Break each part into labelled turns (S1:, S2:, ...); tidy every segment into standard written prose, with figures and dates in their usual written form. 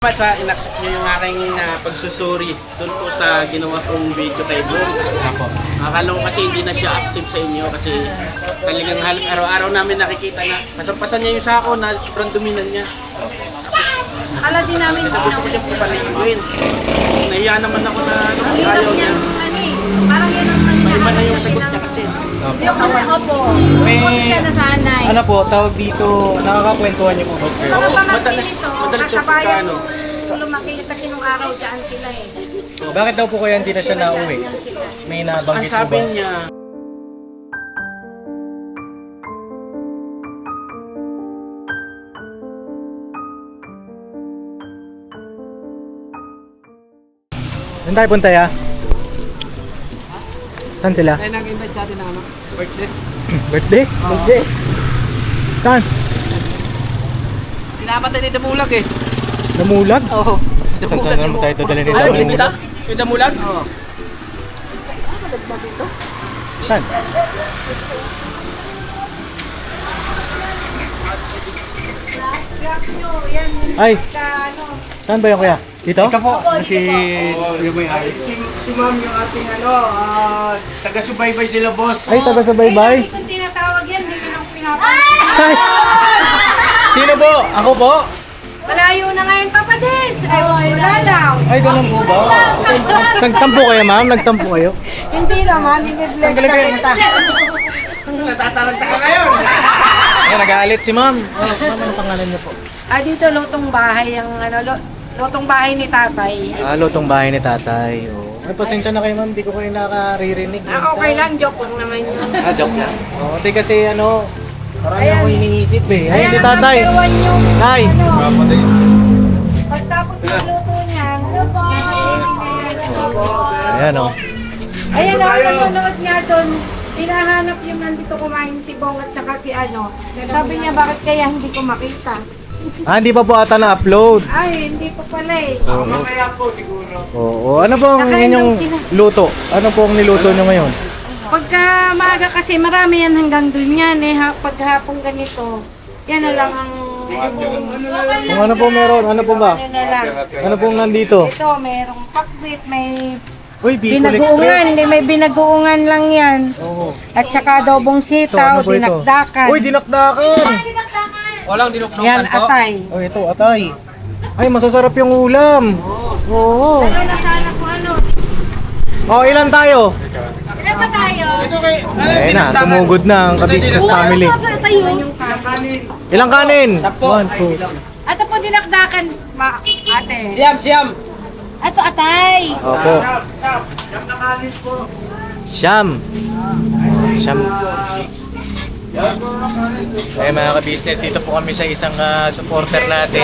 S1: Sa inaccept nyo yung aking pagsusuri doon po sa ginawa kong video kay Bong.
S2: Ako.
S1: Akala ko kasi hindi na siya active sa inyo kasi talagang halos araw-araw namin nakikita na pasampasan niya yung sako na sobrang dominan niya.
S3: Akala din namin
S1: Kasi gusto ko siyang papaliguin. Nahiya naman ako na ayaw niya.
S3: Parang yan ang
S1: May iba na yung sagot niya kasi.
S3: Yung opo.
S2: May,
S3: Opo siya nasanay.
S2: ano po, tawag dito, nakakakwentuhan niyo po ba?
S3: Ako
S1: Oo,
S3: pamangkin
S1: madalas-
S3: ito.
S1: madalas yung
S3: Kasabayan
S1: pagkaano.
S3: lumaki kasi nung araw dyan sila eh.
S2: Bakit daw po kaya hindi na siya nauwi?
S3: Dyan sila.
S2: May
S1: Ang
S2: nabanggit po
S1: sabi
S2: ba?
S1: niya,
S2: Saan tayo punta ya? Saan sila?
S4: Kaya nag-invite sa atin ng ano, birthday.
S2: Birthday? Birthday? Saan?
S4: Pinamatay ni Damulag eh.
S2: Namulag?
S4: Oo.
S2: Saan naman tayo dadalhin ni
S1: ano,
S2: Damulag?
S1: kita? Yung damulag?
S4: Oo.
S2: Saan?
S3: Grab nyo, yan.
S2: Ay.
S3: Ano.
S2: Saan ba yung kuya? Dito?
S5: Ito po, si yung may-ari. Si ma'am yung ating taga-subaybay sila, boss.
S2: Ay, taga sa baybay.
S3: Hindi ko tinatawag yan, hindi ko nang pinapansin.
S2: Ay! Sino po? Ako po?
S3: Malayo na ngayon, Papa Dins. Ay, wala daw.
S2: Ay, ganun po ba? Nagtampo kayo ma'am? Nagtampo kayo?
S3: Hindi naman, i-bless
S2: Ang galing kayo.
S3: kita.
S1: Natataranta ka ngayon!
S2: Ay, nag-aalit si ma'am. Ma'am, ano pangalan niyo po?
S3: Dito lutong bahay ang lutong bahay ni tatay.
S2: Lutong bahay ni tatay. Oh. Ay, pasensya na kayo ma'am, di ko kayo nakaririnig.
S3: Okay lang, joke lang naman yun.
S2: Joke lang. Oo, di kasi ano, marami
S3: Ayan.
S2: ako iniisip eh. Ayun si
S3: Ayan,
S2: tatay.
S3: number one yung,
S2: Tay!
S3: pagtapos ng luto niya,
S2: Ayan oh.
S3: ayan o, nanonood niya doon. Hinahanap yung nandito kumain si Bong at saka si ano. Sabi niya, bakit kaya hindi ko makita?
S2: Hindi pa po ata na-upload.
S3: Ay, hindi ko pala eh.
S5: Mamaya po siguro.
S2: Oo. Ano po ang
S3: Nakain
S2: inyong
S3: lang sila.
S2: luto? Ano po ang niluto nyo ngayon?
S3: Pagka maaga kasi marami yan hanggang doon yan eh. Paghapon ganito, yan na lang ang...
S2: Kung ano po meron? Ano po ba?
S3: Ano na lang.
S2: Ano pong nandito?
S3: Ito, mayroong pakbit, may
S2: Uy, Bicol
S3: binagoongan,
S2: Express.
S3: hindi may binagoongan lang yan.
S2: Oo.
S3: At saka adobong
S2: Ito,
S3: sitaw,
S2: ano po ito?
S3: dinakdakan.
S2: Uy, dinakdakan!
S4: Walang dinuknukan
S3: Yan,
S4: po.
S3: atay.
S2: Oh, ito, atay. Ay, masasarap yung ulam. Oo.
S3: Ano na sana kung ano.
S2: Oh, ilan tayo?
S3: Ilan pa tayo?
S2: Ayun na, sumugod na ang Kabisnes family.
S3: tayo?
S2: Ilang kanin?
S4: Sampo.
S2: 1, 2.
S3: Ato po dinakdakan, ate.
S4: Siyam.
S3: Ato atay.
S2: Opo. Siyam. Siyam. Ay mga ka-business, dito po kami sa isang supporter natin.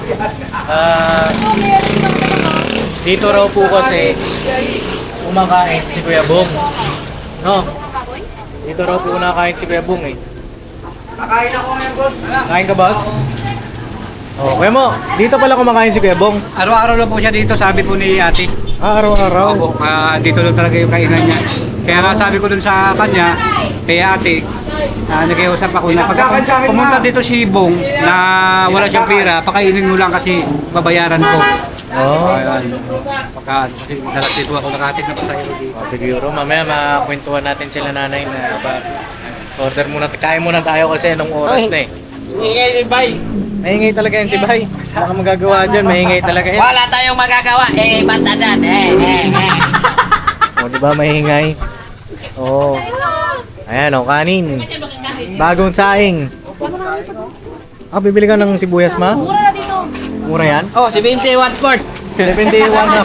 S2: Dito raw po kasi kumakain si Kuya Bong. No? Dito raw po kumakain si Kuya Bong eh.
S5: Nakain ako ngayon, boss.
S2: Kain ka ba? Oh, Kuya mo, dito pala kumakain si Kuya Bong.
S5: Araw-araw na po siya dito, sabi po ni ate.
S2: Araw-araw.
S5: Opo, dito lang talaga yung kainan niya. Kaya nga sabi ko dun sa kanya, kay ate, nag-iusap ako na pag pumunta dito si Bong na wala siyang pera, pakainin mo lang kasi babayaran ko.
S2: Oh.
S5: Pagka, kasi dalas dito ako nakatig na pasayro dito.
S2: Siguro mamaya makakwentuhan natin sila nanay na order muna, kain muna tayo kasi anong oras na eh.
S1: Ingay, bay!
S2: Mahingay talaga yan si Bay. Baka magagawa dyan, mahingay talaga yan.
S4: Wala tayong magagawa. Bata dyan.
S2: O, di ba mahingay? Oo. Ayan o, kanin. Bagong saing. Bibili ka ng sibuyas ma?
S3: Mura na dito.
S2: Mura yan?
S4: Oh, si Vince 1/4.
S2: 71 na.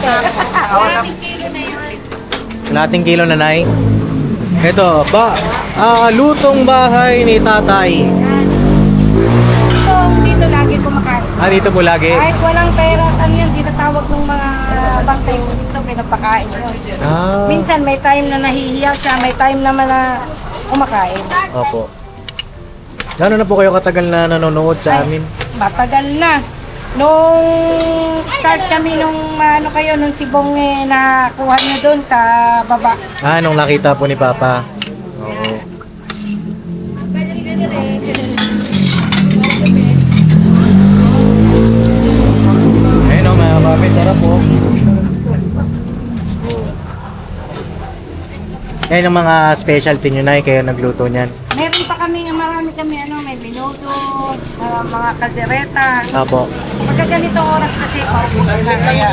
S2: Kalating kilo na nai. Ito, lutong bahay ni tatay.
S3: Dito lagi kumakain.
S2: Dito po lagi.
S3: Kahit walang pera, ano yun, tinatawag ng mga bantay mo dito, pinapakain yun. Minsan may time na nahihiya siya, may time naman na kumakain.
S2: Opo. Gano'n na po kayo katagal na nanonood sa amin?
S3: Matagal na. Nung start kami nung nung si Bong nakuha niya doon sa baba.
S2: Nung nakita po ni Papa. Oo. Ayun o, sarap po. Yan ang mga specialty nyo na kayo nagluto niyan.
S3: Meron pa kami, marami kami, may minuto, mga kaldereta.
S2: Apo.
S3: Pagka ganitong oras kasi, paubos na kaya.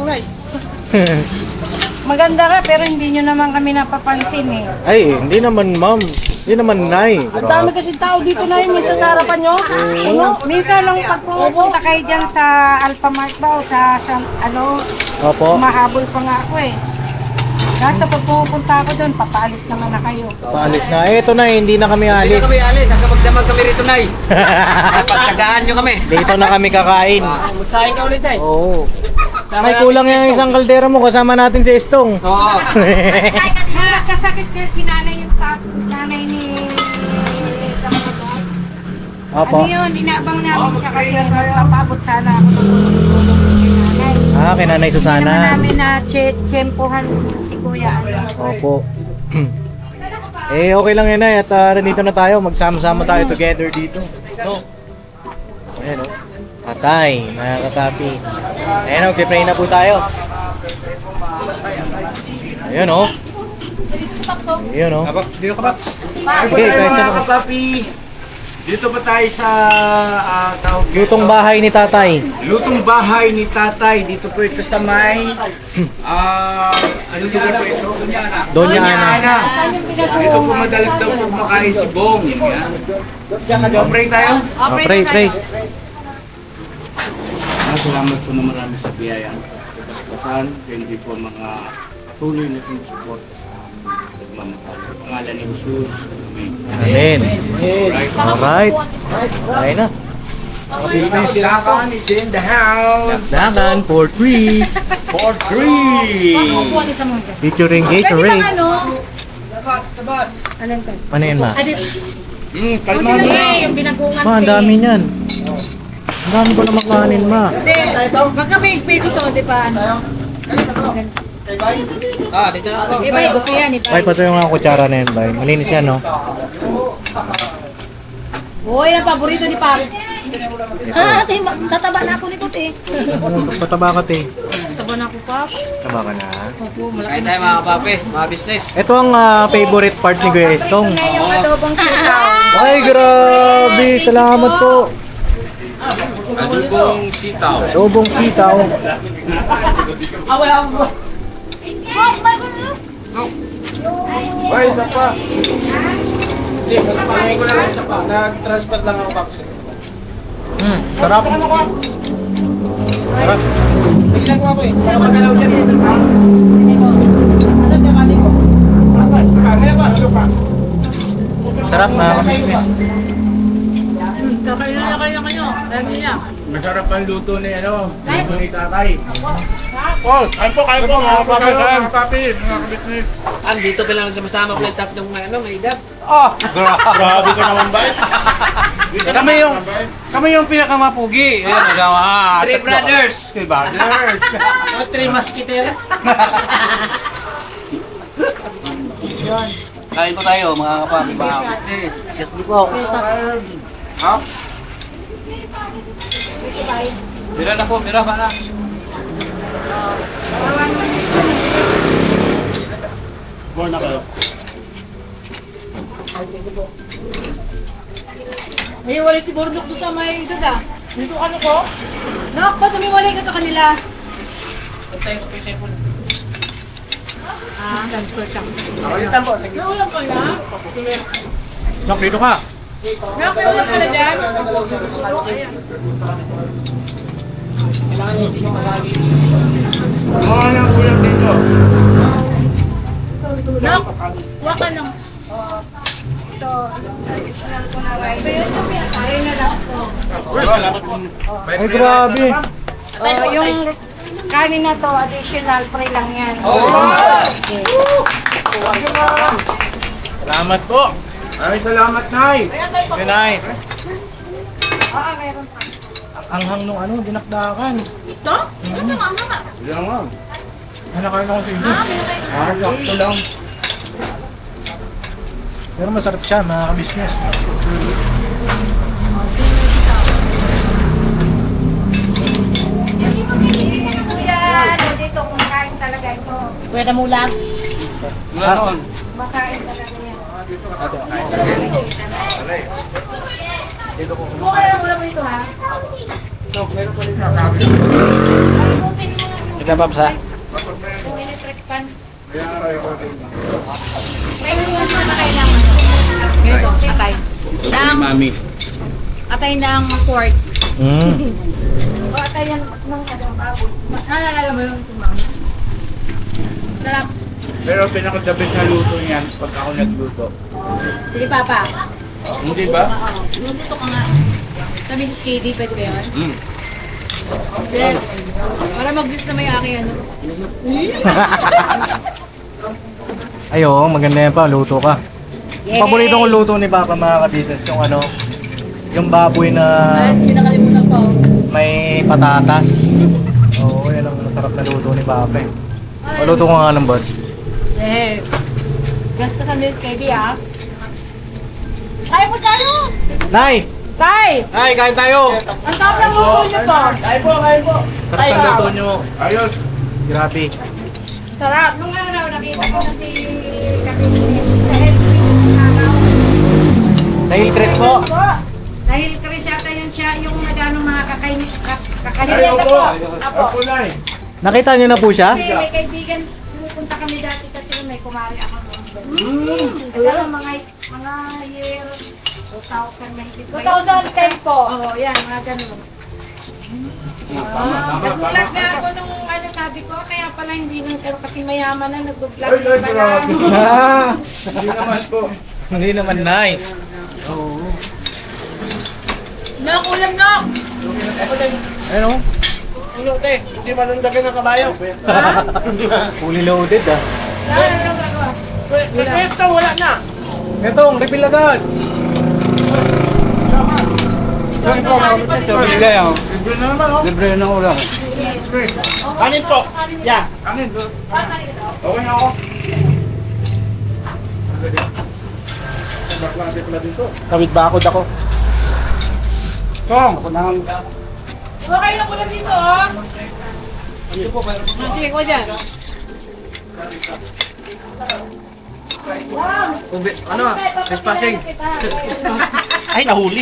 S3: Maganda ka, pero hindi nyo naman kami napapansin eh.
S2: Ay, hindi naman ma'am. Hindi naman nay.
S6: Ang dami kasi tao dito na yun, minsan sa harapan nyo.
S3: Minsan lang pag pumupunta kayo dyan sa Alphamart ba o sa
S2: Opo.
S3: mahabol pa nga ako eh. Kaso pag pumupunta ako doon, papaalis naman na kayo.
S2: Paalis na. Eto na, hindi na kami
S4: Hindi
S2: alis.
S4: na kami alis. Hanggang magdamag kami rito, Nay. Pagtagaan nyo kami.
S2: Dito na kami kakain.
S4: Magsahin ka ulit, Nay.
S2: Oo. May kulang yung isang kaldera mo. Kasama natin si Estong.
S4: Oo.
S3: Kasakit kasi nanay yung nanay ni
S2: Opo.
S3: Ano yun, inaabang namin siya kasi magpapaabot sana ako tutulong kay nanay.
S2: Ah, kay Nanay
S3: Hindi naman
S2: Susana.
S3: namin na tsempohan si Kuya.
S2: Opo. Okay lang yan ay. At nandito na tayo. Magsama-sama tayo together dito. No? Ayan o. Patay, mga kakapi. Ayan o, pray na po tayo. Ayan o. Ayan o.
S5: Dito ka ba?
S2: Okay, guys,
S1: mga kapapi. Dito ba tayo sa tawag
S2: lutong bahay ni tatay.
S1: Lutong bahay ni tatay. Dito po ito sa may ano lugar po ito?
S2: Doña Ana.
S3: Saan yung
S1: Dito po
S3: pinag-uungan?
S1: madalas daw po makain si Bong. Yan. Pray tayo.
S2: Pray.
S1: Salamat po na marami sa biyayang kaspasan. Hindi po mga patuloy na sinusuporta sa nagmamahal. Sa pangalan ni Jesus. Amen.
S2: Amen. Alright. Tayo na.
S1: Dakan is in the house.
S2: Dagan for 3.
S1: For 3.
S3: Upuan isa mo dyan.
S2: Featuring
S3: Pwede bang
S2: Gatorade.
S3: ano? Alin ka?
S2: Ano yan ma?
S1: Kalma mo.
S3: Yung binagungan
S2: Ma, ang dami niyan. Ang dami ko na makanin ma.
S3: Hindi. Magka may pwede sa di pa ano?
S4: Dito na ako.
S3: Iba, gusto yan. Iba.
S2: Ay, pato yung mga kutsara na yan, bay. Malinis yan, no?
S3: Uy, ang paborito ni Paris.
S6: Ate, tataba na ako ni Kuti.
S2: Pataba ka, te.
S3: Taba na ako, Paps.
S2: Taba ka na.
S3: Opo, malaki
S4: Kain
S3: na
S4: tayo, mga kapapi. Mga business.
S2: Ito ang favorite part ni Kuya Estong.
S3: siya. Yung adobong sitaw.
S2: Ay, grabe! Salamat po!
S1: Adobong sitaw.
S2: Adobong sitaw.
S1: Ay, isa pa.
S4: Hindi, pangin ko lang siya pa. Nag-transport lang ako, Paps.
S2: Sarap. Sarap.
S3: Sino ka dalaw dyan?
S2: Sarap na.
S3: Kakain na kayo kayo. Dami niya.
S1: Masarap ang luto ni luto ni tatay. Oh, kain po mga kapapi.
S4: Dito pa lang nagsama-sama pala yung tatlong may edad.
S1: Grabe ka naman ba?
S5: Kami yung pinakamapugi. Ayan, nagawa.
S4: Three brothers.
S5: Three brothers.
S1: Three masketeros.
S4: Kain po tayo, mga kapapi. Yes, di po.
S5: Ha? Mira na po, mira pa na.
S1: Born na kayo.
S3: May wala si Bordok doon sa may dada. Dito ano ko? Nak, ba't umiwalay ka sa kanila? Transfer siya.
S1: Nakalitan po. Sige.
S3: Naulang ka na?
S2: Nak, dito ka.
S3: Nak, may ulam ka na dyan?
S1: Mga nang ulam dito.
S3: Nak, huwag ka lang. Ito, additional ko na rice. Ayun na lang po.
S2: Ay, grabe.
S3: Yung kanin na to, additional, free lang yan.
S2: Salamat po.
S1: Ay, salamat, Nay.
S2: Good night.
S3: Meron pa.
S2: Ang hang nung dinakdakan.
S3: Ito? Ito na nga, nga.
S1: Yan nga.
S2: Nakain ako sa inyo.
S1: Sakto lang.
S2: Pero masarap siya, mga ka-business.
S3: Hindi mo bibili ka na kuya. talaga ito.
S6: Pwede mulag.
S5: Wala noon.
S3: Makain talaga yan.
S2: Dito ko.
S3: Mukha lang mo ito ha.
S2: Sige, Babs, ha?
S3: Yung electric pan. May mga kailangan. Ganito, atay.
S1: Mami.
S3: Atay ng pork.
S2: Mm.
S3: O atay yan ng baboy. Naalala mo yung tumama? Sarap.
S1: Pero pinakadabit na luto niyan pag ako nagluto.
S3: Sige, Papa.
S1: Hindi ba?
S3: Luto ka nga. Sa Mrs. KD, pwede ba yun?
S1: Mm.
S3: Then, para mag-juice na may aking ano.
S2: Ay, oo, maganda yan pa. Luto ka.
S3: Yay!
S2: Paborito kong luto ni Papa mga ka-business, yung ano, yung baboy na
S3: Hindi nakalimutan ko.
S2: may patatas. Oo, yan ang masarap na luto ni Papa eh. Maluto ko nga ng boss.
S3: Eh, gasto sa Mrs. KD ah. Kaya po tayo!
S2: Nay!
S3: Tay!
S2: Nay, kain tayo!
S3: Ang tawag ng luto niyo po.
S2: Sarap ng luto nyo.
S1: Ayos.
S2: Grabe.
S3: Sarap. Nung araw, nakita ko na si Kapinis. Sa Hillcrest ng araw.
S2: Sa Hillcrest po.
S3: Sa Hillcrest yata yun siya, yung nagano mga kakainit po. Apo.
S2: Nakita niyo na po siya?
S3: Kasi may kaibigan, pupunta kami dati kasi may kumari ako doon. Alam, mga year 2000 mahigit. 2010 po. Oo, yan, mga ganun. Nag-vlog na ako nung ano sabi ko, kaya pala hindi nang pero kasi mayaman na nag-vlog na pala.
S2: Ah!
S1: Hindi naman po.
S2: Hindi naman, Nay.
S3: Nok, ulam nok!
S2: Ano?
S4: Hindi manundagan ng kabayo.
S2: Fully loaded ah.
S3: Ano gagawa?
S4: Ito, wala na.
S2: Itong, refill agad.
S5: Bigay ako. Libre ng ulam.
S4: Kanin po. Yeah.
S1: Okay na ako.
S2: Kawit bakod ako.
S5: Kong, ako nang
S3: Okay lang ulam dito, oh. Sige ko dyan.
S4: Ano? Trespassing.
S2: Ay, nahuli.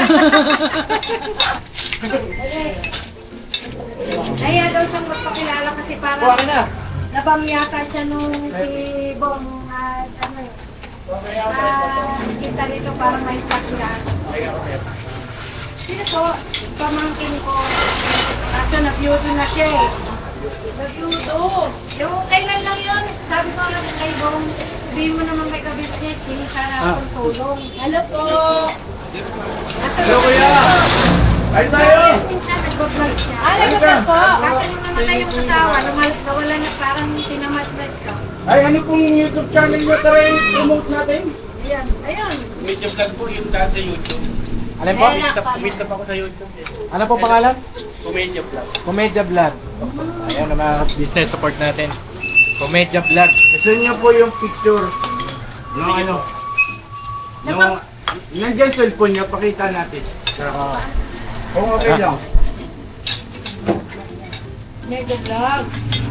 S3: Kaya daw siyang magpakilala kasi parang
S2: Buwan na.
S3: nabam yata siya nung si Bong ano eh. Kita rito parang may pakilala. Sino po? Pamangkin ko. Kaso na-beauty na siya eh. Nag-luto. Yung kailan lang yun, sabi ko lang kay Bong, sabihin mo naman may ka-business, hindi sana akong tulong. Hello po! Hello kuya!
S1: Ay tayo!
S3: Minsan nag-vlog siya. Nag-vlog po! Kasi nung namatay yung asawa, nawala na parang tinamad na siya.
S1: Ay, ano pong YouTube channel nyo? Tara yung promote natin.
S3: Ayan, ayun.
S1: Medyo vlog po yung daan sa YouTube.
S2: Ano po?
S1: Kumista pa ako sa YouTube.
S2: Ano po pangalan?
S1: Comedya vlog.
S2: Comedya Vlog. Ayan na mga business support natin. Comedya Vlog.
S1: Gusto niyo po yung picture ng ano? Yung nandiyan cellphone niyo, pakita natin. Kung okay lang.
S3: Mega vlog.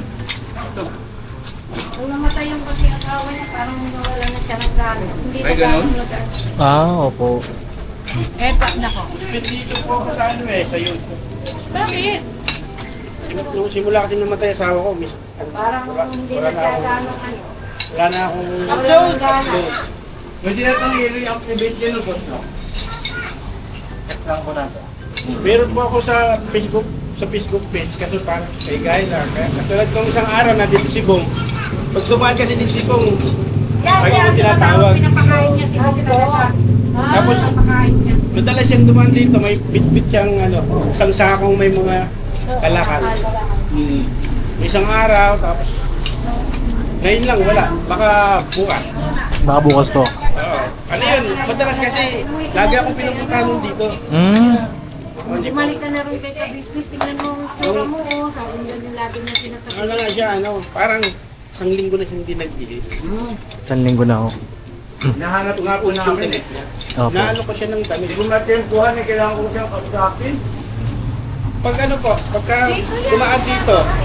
S3: Nung namatay yung pag-asawa niya, parang nawala na siya ng gano'n. Hindi
S1: Ay,
S3: na
S1: ganun?
S3: gano'n nag-
S2: Ah, opo.
S3: Eh, nako.
S1: Dito po ako sa ano sa YouTube.
S3: Bakit?
S1: Nung simula kasi namatay asawa ko, miss.
S3: Parang hindi na siya gano'n ano.
S1: Wala na akong...
S3: Upload gano'n.
S1: Pwede na itong i-activate yun, no, boss, no?
S2: Lang ko na.
S1: Meron po ako sa Facebook page, kasi parang kay Guy lang. Kaya katulad nung isang araw na dito si Bong. Pag dumaan kasi din si Bong,
S3: Yan,
S1: Ay,
S3: siya
S1: yung tinatawag.
S3: Pinapakain niya si Bong.
S1: Tapos-
S3: Pinapakain niya.
S1: madalas siyang dumaan dito, may bit-bit siyang ano, isang sakong may mga kalakal. May isang araw, tapos ngayon lang, wala. Baka bukas.
S2: Baka bukas po.
S1: Oo. Ano yun, madalas kasi lagi akong pinupuntahan nun dito.
S3: Bumalik ka na rin kay ka-business, tingnan mo ang tsura mo. Oh. Sabi niya yung lagi niya sinasabi.
S1: Ano na siya, ano, parang isang linggo na siyang hindi nagbihis.
S2: Isang linggo na ako.
S1: Nahanap nga po namin.
S2: Opo.
S1: Naano ko siya ng damit. Kung natempuhan, kailangan ko siyang pagkapin. Pag ano po, pagka dumaan dito,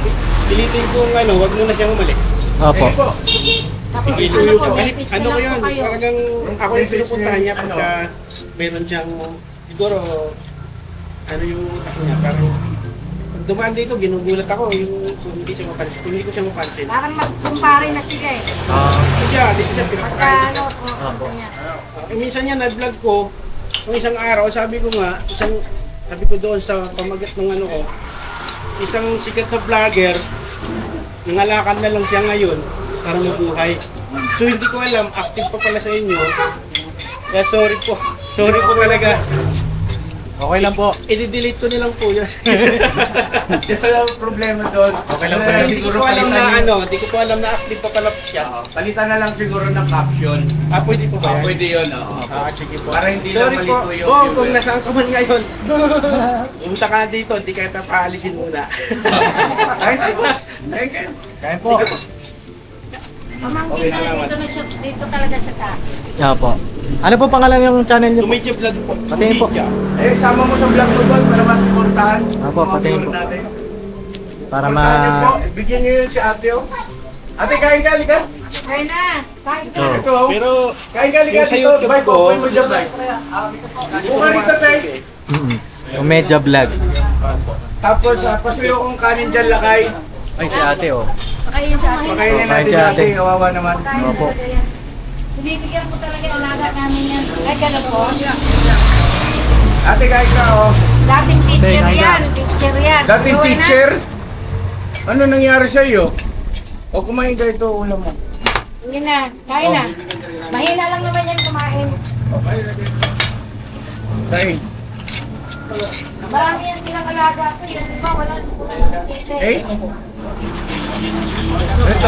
S1: pilitin kong wag muna siyang umalis.
S2: Opo.
S3: Tapos
S1: Pilitin ko. Kasi
S3: message
S1: ano ko
S3: na lang
S1: yun,
S3: po kayo.
S1: talagang ako yung pinupuntahan niya pagka meron siyang, siguro, yung niya, parang pag dumaan dito, ginugulat ako kung hindi siya mapansin, kung hindi ko siya mapansin.
S3: Parang magkumpare na sila eh.
S1: Dito siya
S3: Pagka
S1: pinapakain.
S3: ano, ganyan.
S1: Minsan niya na-vlog ko, nung isang araw, sabi ko doon sa pamagat ng ko, isang sikat na vlogger, nangalakad na lang siya ngayon para mabuhay. So hindi ko alam, active pa pala sa inyo. Kaya sorry po talaga.
S2: Okay lang po.
S1: I-delete ko nilang po yun.
S4: Wala problema doon.
S2: Okay lang po.
S1: Kasi hindi ko alam na active pa pala siya.
S4: Palitan na lang siguro ng caption.
S1: Pwede po ba yan?
S4: Pwede yun, oo.
S1: Sige po.
S4: Para hindi lang
S1: Sorry po.
S4: malito yung
S1: Kung
S4: viewer.
S1: nasaan ka man ngayon, pumunta ka na dito, hindi ka na paalisin muna.
S4: Kahit po.
S2: Kaya po.
S3: Pamangkin na, dito talaga siya sa akin.
S2: Opo. Ano po pangalan yung channel niyo po?
S1: Tumidya vlog po.
S2: Patayin po.
S1: Tumidya.
S4: Sama mo sa vlog mo doon para masuportahan.
S2: Opo, patayin po. Para
S4: Bigyan niyo yun si ate, oh. Ate, kain ka, halika.
S3: Kaya na, kahit na.
S2: Oh.
S4: Ito, oh.
S1: Pero,
S4: Kain ka, halika
S1: yung sa
S4: dito.
S1: YouTube
S4: Bye,
S1: ko,
S4: po mo dyan, bye. Buka rito, tay.
S2: Medya vlog.
S4: Tapos, pasuyo kong kanin dyan, lakay.
S2: Ay, si ate oh.
S3: Pakayin sa akin.
S4: Pakainin
S2: Kain
S4: natin
S2: si
S4: si
S2: ate.
S4: ate, kawawa naman.
S3: Pakayin
S2: Opo.
S3: talaga yan. Binibigyan ko talaga yung alaga namin yan. Ay, gano'n po.
S4: Ate, kain ka, oh.
S3: Dating teacher
S2: Kain ka.
S3: yan. Teacher yan.
S4: Dating
S3: Uwi na.
S4: teacher? Ano nangyari sa iyo? O kumain ka ito, ulam mo.
S3: Hindi na, kain na. Mahina lang naman yan kumain.
S4: Tay,
S3: Marami yan silang alaga ko. Yung iba, wala nang teacher.
S4: eh? Ito.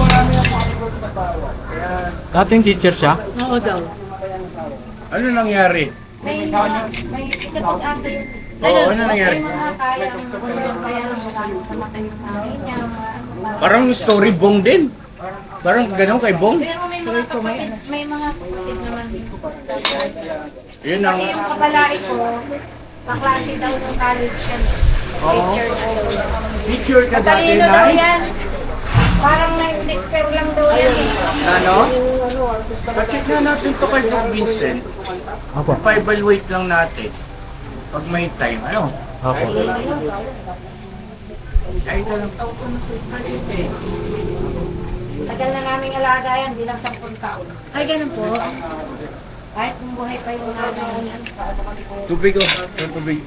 S2: Dating teacher siya?
S3: Oo daw.
S4: Ano nangyari?
S3: May ikapag-asa yun.
S4: Oo, ano nangyari?
S3: May mga kaya lang wala nang pamatay yung nanay niya.
S4: Parang story bong din. Parang ganun kay Bong.
S3: Pero may mga kapatid naman din.
S4: Yun ang...
S3: Kasi yung kabalai ko, kaklase daw ng college yan. Teacher na daw.
S4: Teacher ka dati,
S3: Matalino daw
S4: Nay?
S3: yan. Parang na-despair lang daw yan eh.
S4: Ano? Pacheck na natin to kay Doc Vincent.
S2: Opo.
S4: Pa-evaluate lang natin. Pag may time, ano?
S2: Opo.
S4: Ay, ito lang.
S3: Tagal na naming alaga yan, di lang 10 taon. Ay, ganun po. Kahit kung buhay pa yung nanay niya.
S4: Tubig ko. Yung tubig.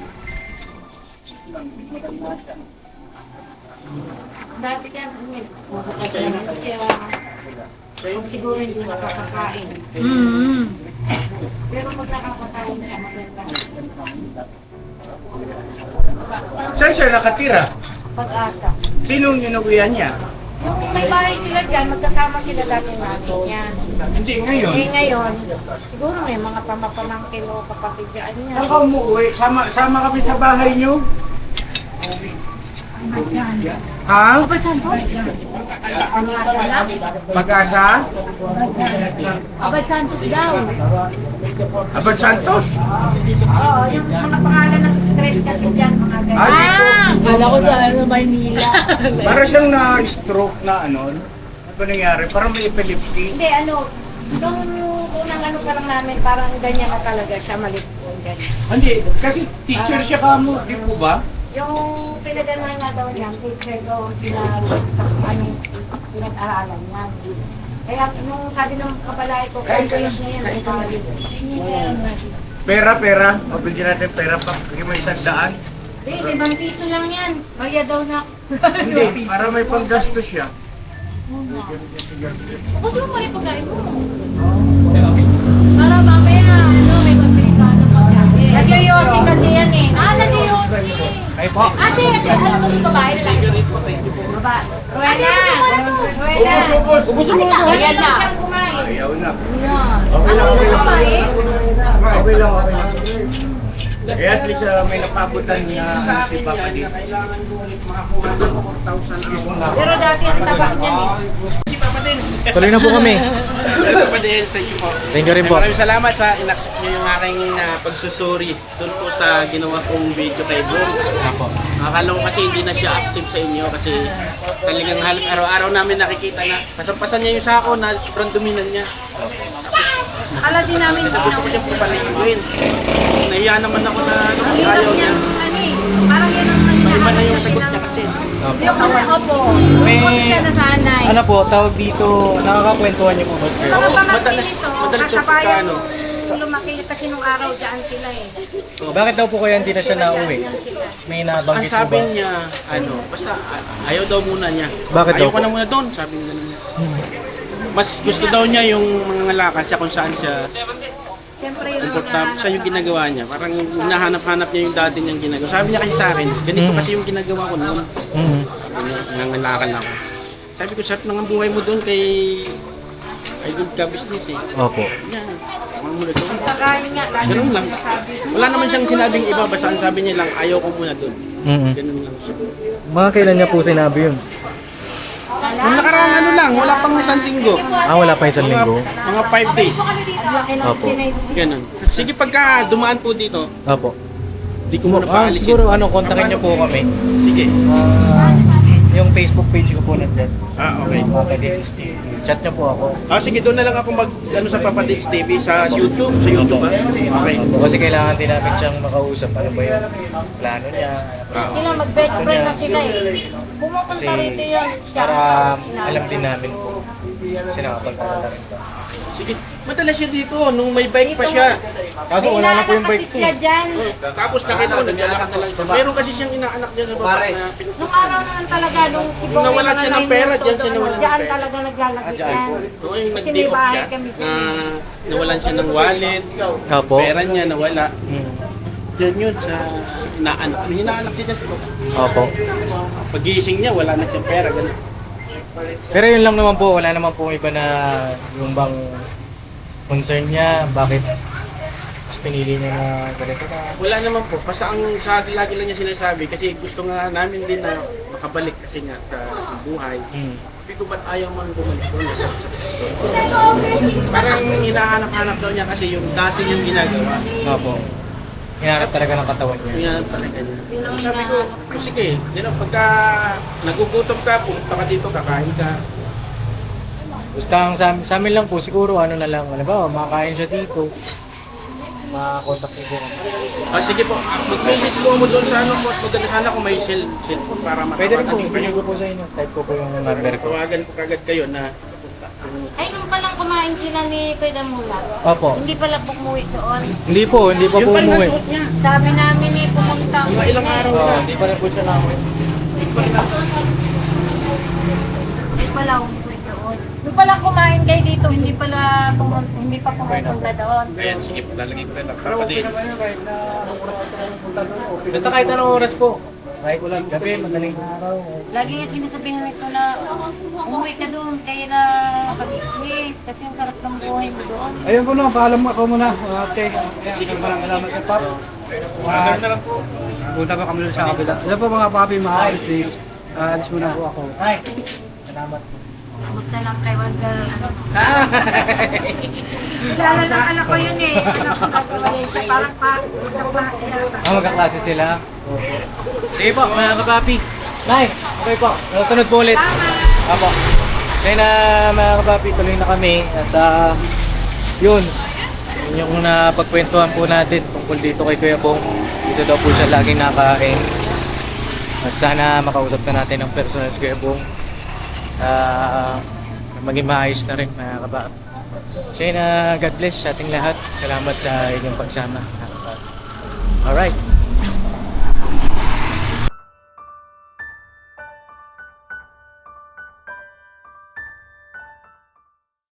S3: Dati yan, kasi pag siguro hindi nakakakain. Pero pag nakakakain siya, maganda.
S4: Saan siya nakatira?
S3: Pag-asa.
S4: Sinong inuwihan niya?
S3: Yung may bahay sila dyan, magkasama sila dati natin yan.
S4: Hindi ngayon.
S3: Eh ngayon, siguro may mga pamapamangkin o kapatid dyan niya.
S4: Saan ka umuwi? Sama kami sa bahay niyo? Ha?
S3: Pag-asa lang.
S4: Mag-asa?
S3: Abad Santos daw.
S4: Abad Santos?
S3: Oo, yung mga pangalan ng street kasi dyan, mga ganyan.
S4: Ah, dito.
S3: Kala ko sa Maynila.
S4: Para siyang na-stroke na ano. Ano ba nangyari? Parang may epilepsy.
S3: Hindi, nung unang pa lang namin, parang ganyan na talaga siya, malit po, ganyan.
S4: Hindi, kasi teacher siya kamo, di po ba?
S3: Yung pinagano'n nga daw niya, teacher daw, pinag-aralan niya. Kaya nung sabi ng kabalay ko,
S4: Kain ka
S3: college niya yan, ay college.
S4: Pera. Mabigyan natin pera pa. Bigyan mo 100.
S3: Hindi, 5 piso lang yan. Kaya daw na.
S4: Hindi, para may panggastos siya.
S3: Gusto mo pala yung pagkain mo? Para mamaya, may pagpili ka ng pagkain. Nagyoyosi kasi yan eh. Nagyoyosi.
S2: Ay po.
S3: Ate, alam mo yung babae na lang? Babae. Ruena! Ruena!
S4: Ubus mo na.
S3: Ayan na. Siyang kumain.
S4: Ayaw na.
S3: Okay lang kumain?
S4: Okay lang. Kaya at least may napabutan na si Papa dito.
S1: Kailangan ko ulit makakuha ng 4,000
S3: Pero dati ang taba niyan eh.
S1: Si Papa D, Padens.
S2: Tuloy na po kami.
S1: Sa Padens, thank you po.
S2: Thank you rin po.
S1: Maraming salamat sa inaccept niyo yung aking pagsusuri doon po sa ginawa kong video kay Bro.
S2: Ako.
S1: Akala ko kasi hindi na siya active sa inyo kasi talagang halos araw-araw namin nakikita na kasampasan niya yung sako na sobrang dominan niya.
S3: Akala din namin
S1: Kasi gusto ko siyang papaliguin. Nahiya naman ako na ano, kasi
S3: Hirap
S1: ayaw
S3: niya,
S1: niya.
S3: ano eh, parang yan ang
S1: Iba na yung sagot niya kasi.
S3: Yung kasi, opo.
S2: May,
S3: Opo siya nasanay.
S2: ano po, tawag dito, nakakakwentuhan niyo po ba?
S3: Mga
S1: Oo,
S3: pamangkin
S1: madalas-
S3: nito,
S1: madalas yung
S3: kasabayan
S1: pagkaano.
S3: lumaki kasi nung araw dyan sila eh.
S2: Bakit daw po kaya hindi na siya nauwi?
S3: Dyan sila.
S2: May
S1: Ang
S2: nabanggit po
S1: sabi
S2: ba?
S1: niya, ano, basta ayaw daw muna niya.
S2: Bakit daw
S1: ayaw ko
S2: po?
S1: na muna doon, sabi niya ganun. Mas gusto daw niya yung mga lakad siya kung saan siya
S3: Siyempre yung
S1: komportable siya yung ginagawa niya. Parang hinahanap-hanap niya yung dati niyang ginagawa. Sabi niya kasi sa akin, ganito kasi yung ginagawa ko noon.
S2: Mhm.
S1: Nangangalakal ako. Sabi ko, sarap ng buhay mo doon kay good ka business eh.
S2: Opo.
S1: Yan. Huwag mo na doon.
S3: pagkain nga, lagi
S1: Ganun lang.
S3: sinasabi.
S1: Wala naman siyang sinabing iba, basta ang sabi niya lang, ayaw ko muna doon.
S2: Mhm.
S1: Ganun lang siya.
S2: Mga kailan niya po sinabi yun?
S1: Nung nakaraang ano lang, wala pang isang linggo.
S2: Ah, wala pa isang linggo.
S1: Mga 5 days.
S3: Ang laki ng
S2: Opo.
S3: sinay-
S1: Ganun. Sige, pagka dumaan po dito,
S2: Opo.
S1: di ko muna paalisin.
S2: Siguro ano, kontakin niyo po kami.
S1: Sige.
S2: Yung Facebook page ko po nandyan.
S1: Okay.
S2: Mga Kadits TV. Chat niyo po ako.
S1: Sige, doon na lang ako sa Papadits TV sa YouTube. Sa YouTube ba? Okay.
S2: Kasi kailangan din namin siyang makausap. Ano ba yung plano niya?
S3: Sila mag-best friend na sila eh.
S2: Kasi
S3: Pumupunta rito yun. Siya.
S2: para alam din namin po. Kasi nakapagpapala rin ba.
S1: Sige. Madalas siya dito, nung may bike pa siya.
S2: Kaso wala na po yung bike
S3: Kasi
S2: ko.
S3: siya dyan.
S1: Tapos nakita ko, naglalakad na lang siya. Meron kasi siyang inaanak dyan sa baba na
S3: Nung
S1: pinupunta.
S3: araw naman talaga, nung si Bong
S1: Nawalan siya ng pera, dyan siya nawalan ng
S3: Dyan
S1: pera.
S3: talaga naglalagay
S2: dyan
S3: yan.
S2: po.
S1: So, yung
S3: Kasi may
S1: nag-day off
S3: bahay
S1: siya,
S3: kami
S1: na
S3: dyan.
S1: nawalan siya ng wallet,
S2: Opo.
S1: pera niya nawala.
S2: Hmm.
S1: Diyan yun sa inaanak. Yung inaanak niya dyan sa baba.
S2: Opo.
S1: Pagising niya, wala na siyang pera. Ganun.
S2: Pero yun lang naman po, wala naman po iba na yung bang concern niya, bakit mas pinili niya na ganito na.
S1: Wala naman po. Basta ang sa akin lagi lang niya sinasabi kasi gusto nga namin din na makabalik kasi nga sa buhay.
S2: Hmm.
S1: Sabi ko, ba't ayaw man bumalik doon? Parang hinahanap-hanap daw niya kasi yung dati niyang ginagawa.
S2: Opo. Hinahanap talaga ng katawan niya.
S1: Hinahanap talaga niya. Sabi ko, sige, pagka nagugutom ka, pumunta ka dito, kakain ka.
S2: Basta ang sa amin lang po, siguro ano na lang, alam ba, makakain siya dito. Makakontak niyo po.
S1: Sige po, mag-message po mo doon sa ano po. Maganda sana kung may cellphone para
S2: Pwede rin po,
S1: makapagdating
S2: ibigay ko po sa inyo. Type ko po yung number ko.
S1: Tawagan ko kagad kayo na
S3: Ay, nung palang kumain sila ni Kuya Damula.
S2: Opo.
S3: Hindi pala bumuwi doon.
S2: Hindi po pa
S1: yung
S2: po
S1: pa rin ang
S2: umuwi.
S1: suot niya.
S3: Sabi namin eh, pumunta.
S1: Mga ilang araw
S2: Oo,
S1: na.
S2: hindi pa rin po siya namin.
S3: Hindi pala umuwi doon. Nung pala kumain kayo dito, hindi pa pumunta doon.
S1: Ayan, sige po, lalagay ko na lang. Para din.
S2: Basta kahit anong oras po. Kahit ulan, gabi, madaling araw.
S3: Lagi niya sinasabihan nito na umuwi ka doon, kaya na pag-business. Kasi ang sarap ng buhay mo doon.
S5: Ayun po na, paalam ako muna. Ate, sige maraming salamat sa pap.
S1: Ganun na lang po.
S5: Punta pa kami doon sa kabila. Ano po mga papi, mga alis days. Alis muna po ako.
S2: Ay, salamat po.
S3: Kamusta lang kay Wonder? Kilala ng anak ko yun eh. Anak ko nasa Malaysia, parang isang klase yata.
S2: Magkaklase sila. Sige po, mga kapapi. Nay, okay po. Sunod po ulit. Apo. Sige na mga kapapi, tuloy na kami. At yun yung napagkwentuhan po natin tungkol dito kay Kuya Bong. Dito daw po siya laging nakain. At sana makausap na natin ang personal si Kuya Bong. Maging maayos na rin mga kapapi. Sige na, God bless sa ating lahat. Salamat sa inyong pagsama. Alright.